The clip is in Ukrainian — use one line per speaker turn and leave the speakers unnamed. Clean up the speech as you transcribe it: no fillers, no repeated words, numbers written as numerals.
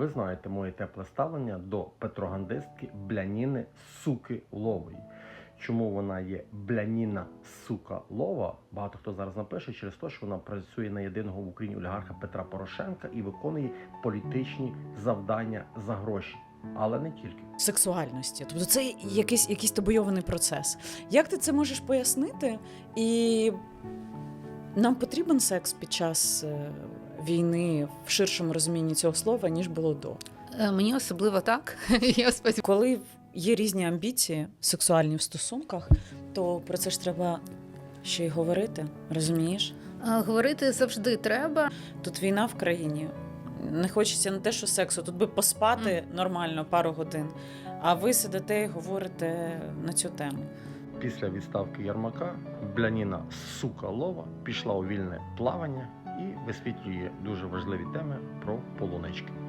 Ви знаєте моє тепле ставлення до петрогандистки Бляніни Суки Лової. Чому вона є Бляніна Сука Лова? Багато хто зараз напише через те, що вона працює на єдиного в Україні олігарха Петра Порошенка і виконує політичні завдання за гроші. Але не тільки.
Сексуальності. Тобто це якийсь табойований процес. Як ти це можеш пояснити? І нам потрібен секс під час війни в ширшому розумінні цього слова, ніж було до.
Мені особливо так. Я сподіваюся.
Коли є різні амбіції сексуальні в стосунках, то про це ж треба ще й говорити, розумієш?
Говорити завжди треба.
Тут війна в країні. Не хочеться не те, що сексу, тут би поспати нормально пару годин, а ви сидите і говорите на цю тему.
Після відставки Єрмака Бляніна Сука Лова пішла у вільне плавання і висвітлює дуже важливі теми про полунички.